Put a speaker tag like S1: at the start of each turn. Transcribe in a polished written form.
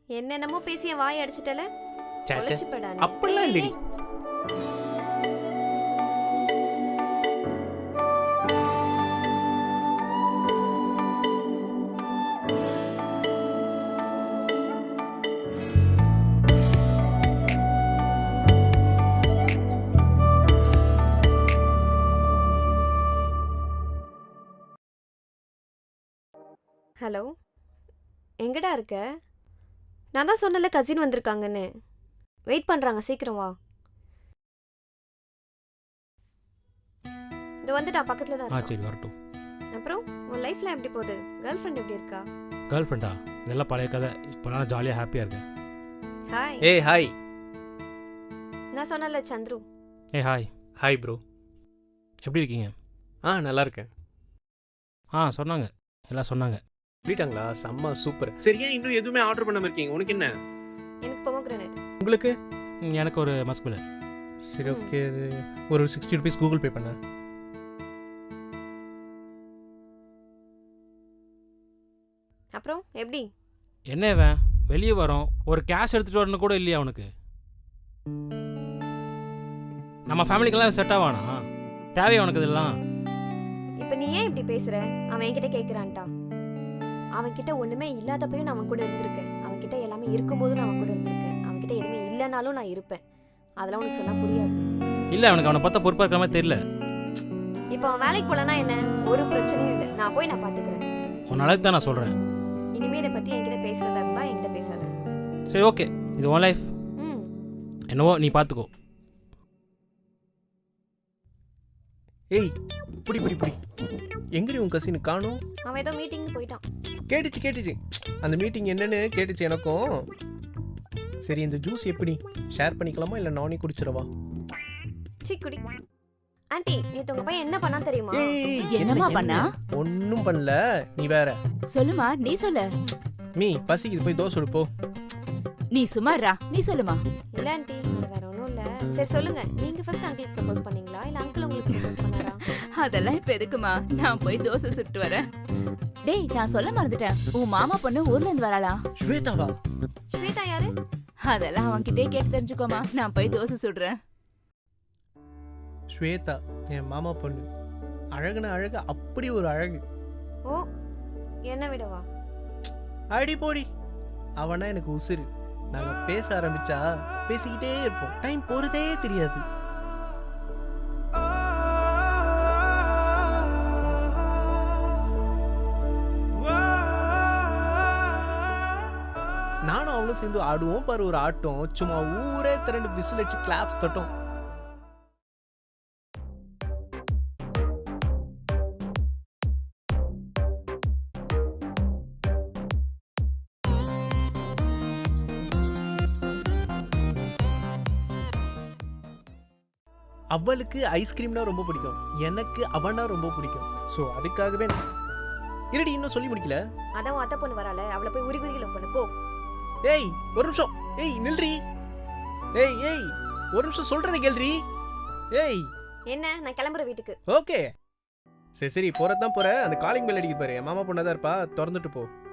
S1: என்னென்னமோ பேசி என் வாய் அடிச்சிட்டல.
S2: சே
S1: ஒளிச்சுப்படா நீ.
S2: அப்படிலாம் இல்லடி.
S1: ஹலோ, எங்கடா இருக்க? நான் தான் சொன்னல கசின் வந்திருக்காங்கன்னு. வெயிட் பண்றாங்க, சீக்கிரம் வா. இது வந்துட்டா, பக்கத்துல தான் இருக்கா.
S3: சரி வரட்டும்.
S1: அப்புறம் உன் லைஃப்ல எப்படி போகுது? கேர்ள் ஃப்ரெண்ட் எப்படி இருக்கா?
S3: கேர்ள் ஃப்ரெண்டா? இதெல்லாம் பழைய கதை. இப்போ நான் ஜாலியாக ஹாப்பியாக இருக்கேன்.
S1: ஹாய்.
S2: ஏய் ஹாய்.
S1: நான் சொன்னல சந்துரு.
S3: ஹாய்.
S2: Hi bro.
S3: எப்படி இருக்கீங்க?
S2: நல்லா இருக்கேன்.
S3: சொன்னாங்க, எல்லாம் சொன்னாங்க.
S2: சொல்லிட்டாங்களா? செம்ம சூப்பர். சரியா இன்னும் எதுவுமே ஆர்டர் பண்ணாம இருக்கீங்க? உனக்கு என்ன?
S1: எனக்கு பொமோகிரானேட்.
S2: உங்களுக்கு?
S3: எனக்கு ஒரு மஸ்குல.
S2: சரி ஓகே, அது ஒரு 60 rupees கூகுள் பே பண்ண.
S1: அப்புறம் எப்படி?
S3: என்ன இவன் வெளியே வரோம், ஒரு கேஷ் எடுத்துகிட்டு வரணும் கூட இல்லையா அவனுக்கு? நம்ம ஃபேமிலிக்கெல்லாம் செட் ஆவானா? தேவையா உனக்கு இதெல்லாம்?
S1: இப்போ நீ ஏன் இப்படி பேசுற? அவன் என்கிட்ட கேட்குறான்ட்டான். அவன்கிட்ட ஒன்றுமே இல்லாதப்பையும் நான் அவன் கூட இருந்திருக்கேன். அவன்கிட்ட எல்லாமே இருக்கும்போதும் நான் அவன் கூட இருந்திருக்கேன். அவன்கிட்ட எதுவுமே இல்லைனாலும் நான் இருப்பேன். அதெல்லாம் உனக்கு சொன்னால் புரியாது.
S3: இல்லை, அவனுக்கு அவனை பார்த்தா பொறுப்பாக இருக்கிற மாதிரி தெரியல.
S1: இப்போ அவன் வேலைக்கு போலனா என்ன? ஒரு பிரச்சனையும் இல்லை. நான் போய் நான் பார்த்துக்கிறேன்.
S3: உன் அளவுக்கு தான் நான் சொல்கிறேன்.
S1: இனிமே இதை பற்றி என்கிட்ட பேசுறதா இருந்தால் என்கிட்ட பேசாத.
S3: சரி ஓகே, இது உன் லைஃப். என்னவோ நீ பார்த்துக்கோ.
S2: ஏய் புடி புடி புடி. எங்கடி உன் கசின் காணோம்?
S1: அவன் ஏதோ மீட்டிங் போயிட்டான்.
S2: கேட்டுச்சு அந்த மீட்டிங் என்னன்னு கேட்டுச்சு எனக்கும். சரி, இந்த ஜூஸ் எப்படி ஷேர் பண்ணிக்கலாமா இல்லை நானே குடிச்சிடவா?
S1: குடி. ஆண்டி, நேத்து உங்க பையன் என்ன பண்ணா தெரியுமா?
S4: என்னமா பண்ணா?
S2: ஒன்னும் பண்ணல, நீ வேற.
S4: சொல்லுமா, நீ சொல்லு.
S2: மீ பசிக்குது, போய் தோசை சுடு போ.
S4: நீ சும்மாறா, நீ சொல்லுமா.
S1: இல்ல ஆண்டி, அது வேற ஒண்ணும் இல்ல. சரி சொல்லுங்க, நீங்க ஃபர்ஸ்ட் அங்கிளுக்கு ப்ரப்போஸ் பண்ணீங்களா இல்ல அங்கிள் உங்களுக்கு ப்ரப்போஸ் பண்ணாரா?
S4: அதெல்லாம் இப்ப எதுக்குமா? நான் போய் தோசை சுட்டு வரேன். டேய், நான் சொல்ல மறந்துட்டேன். உன் மாமா பொண்ணு ஊர்ல இருந்து வராளா?
S2: ஸ்வேதாவா?
S1: ஸ்வேதா யாரு?
S4: அதெல்லாம் அவன்கிட்டே கேட்டு தெரிஞ்சுக்கோமா. நான் போய் தோசை சுடுறேன்.
S2: ஸ்வேதா என் மாமா பொண்ணு. அழகுன அழகு, அப்படி ஒரு அழகு.
S1: ஓ, என்ன விடவா?
S2: அடி போடி. அவனா எனக்கு உசுரு. நாங்க பேச ஆரம்பிச்சா பேசிக்கிட்டே இருப்போம். டைம் போறதே தெரியாது. நானும் அவனும் சேர்ந்து ஆடுவோம் பாரு ஒரு ஆட்டம். சும்மா ஊரே திரண்டு விசில் அடிச்சு கிளாப்ஸ் தட்டும். அவளுக்கு ஐஸ்கிரீம்னா ரொம்ப பிடிக்கும், எனக்கு அவனா ரொம்ப பிடிக்கும். ஸோ அதுக்காகவே இருடி, இன்னும் சொல்லி முடிக்கல.
S1: அதான் அத்தை பொண்ணு வரால, அவளை போய் உரி உரியில பண்ணு போ.
S2: ஏய் ஒரு நிமிஷம். ஏய் நில்றி. ஏய் ஒரு நிமிஷம் சொல்றதை கேள்றி. ஏய்
S1: என்ன? நான் கிளம்புற வீட்டுக்கு.
S2: ஓகே சரி போறதான் போற. அந்த காலிங் பெல் அடிக்க பாரு. மாமா பொண்ணாதான் இருப்பா, திறந்துட்டு போ.